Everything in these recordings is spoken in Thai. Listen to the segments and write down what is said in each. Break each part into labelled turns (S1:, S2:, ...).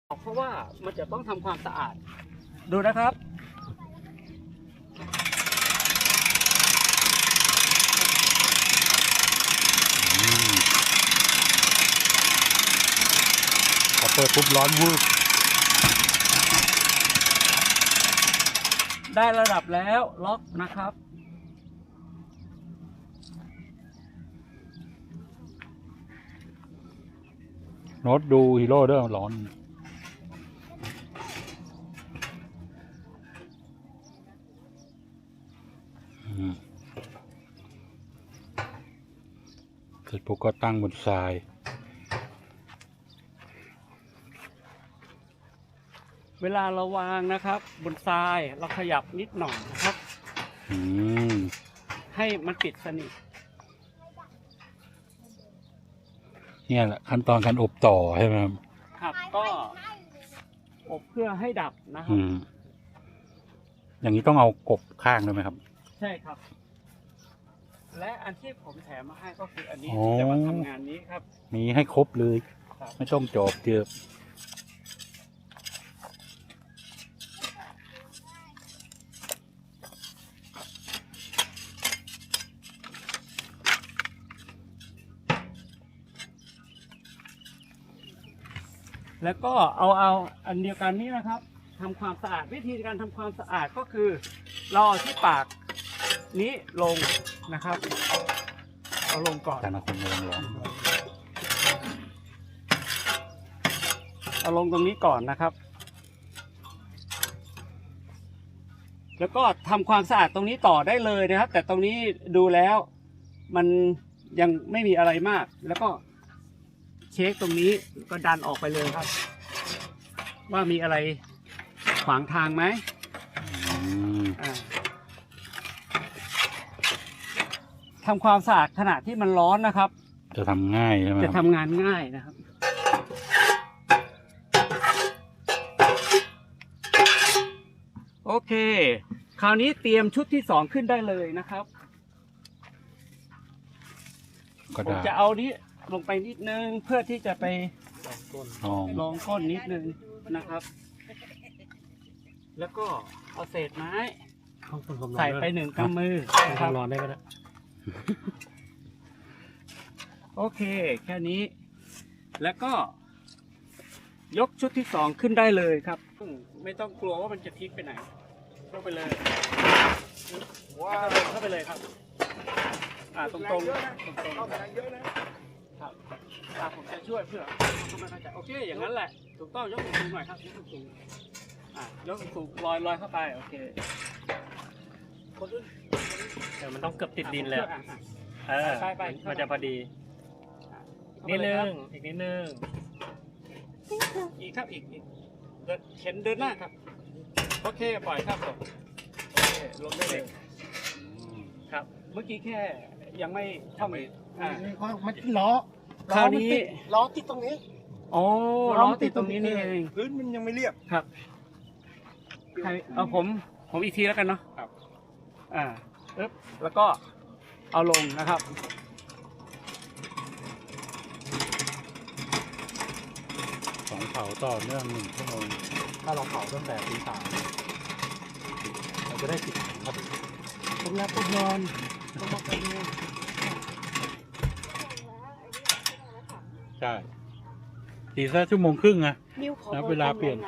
S1: เพราะว่ามันจะต้องทำความสะอาดดูนะครับ
S2: พอเปิดปุ๊บร้อนวืบ
S1: ได้ระดับแล้วล็อกนะครับ
S2: โน้ตดูฮีโร่เด้อร้อนเสร็จปุ๊บก็ตั้งบนทราย
S1: เวลาเราวางนะครับบนทรายเราขยับนิดหน่อยนะครับให้มันปิดสนิท
S2: เนี่ยแหละขั้นตอนการอบต่อใช่ไหมครับ
S1: ครับก็อบเพื่อให้ดับนะครับ
S2: อย่างนี้ต้องเอากบข้างด้วยไหมครับ
S1: ใช่ครับและอันที่ผมแถมมาให้ก็คืออันนี้
S2: อ๋อ
S1: จะมาทำงานนี้ครับ
S2: มีให้ครบเลย
S1: ครับ
S2: ไม่ต้องจอบเจือบ
S1: แล้วก็เอาอันเดียวกันนี้นะครับทำความสะอาดวิธีการทำความสะอาดก็คือเราเอาที่ปากนี้ลงนะครับเอาลงก่อน
S2: แต่ละคนลอง
S1: เอาลงตรงนี้ก่อนนะครับแล้วก็ทำความสะอาดตรงนี้ต่อได้เลยนะครับแต่ตรงนี้ดูแล้วมันยังไม่มีอะไรมากแล้วก็เช็คตรงนี้ก็ดันออกไปเลยครับว่ามีอะไรขวางทางไหมทำความสะอาดขณะที่มันร้อนนะครับ
S2: จะทำง่ายใช่ไหม
S1: จะทำงานง่ายนะครับโอเคคราวนี้เตรียมชุดที่สองขึ้นได้เลยนะครับผมจะเอานี้ลงไปนิดนึงเพื่อที่จะไปลองก้นนิดนึงนะครับแล้วก็เอาเศษไม้ใส่ไปหนึ่งกำมือนะครับร้อนได้ไหมนะโอเคแค่นี้แล้วก็ยกชุดที่สองขึ้นได้เลยครับไม่ต้องกลัวว่ามันจะพลิกไปไหนยกไปเลยว้าวเข้าไปเลยครับตรงๆตรงเข้าไปเยอะนะครับผมจะช่วยเพื่อทำให้เข้าใจโอเคอย่างนั้นแหละถูกต้องยกสูงๆหน่อยครับยกสูงยกสูงลอยเข้าไปโอเค
S3: เดี๋ยวมันต้องเกือบติดดินแล้ว
S1: ไป
S3: มันจะพอดีนิดนึงอีกนิดนึง
S1: อีกครับอีกเข็นเดินหน้าครับโอเคปล่อยครับผมโอเคลงได้เลยครับเมื่อกี้แค่ยังไม่ทำ
S4: มันล้อ
S1: คราวนี้
S4: ล้อติดตรงนี้
S1: อ๋อล้อติดตรงนี้นี่เอง
S4: พื้นมันยังไม่เรียบ
S1: ครับใครเอาผมอีกทีแล้วกันเนาะครับแล้วก็เอาลงนะครับ
S2: 2เผาต่อเนื่อง1 ชั่วโมง
S4: ถ้าเราเผาตั้งแต่ตี 3เราจะได้ติดครับผมรับผมนอนต้องมาไปดู
S2: ใช่ตีซะ1 ชั่วโมงครึ่งอะแล้วเวลาเปลี่ยน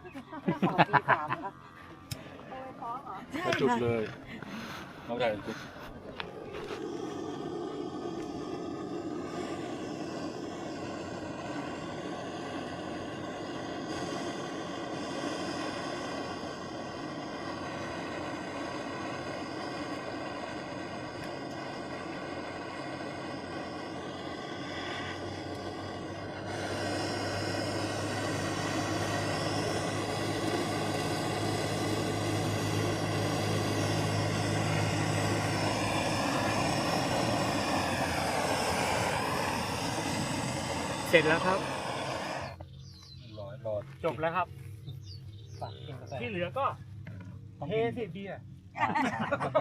S2: กระจุดเลยน้องชายจุด
S1: เสร็จแล้วครับ
S2: รอ
S1: จบแล้วครับที่เหลือก็เทสิเบียร์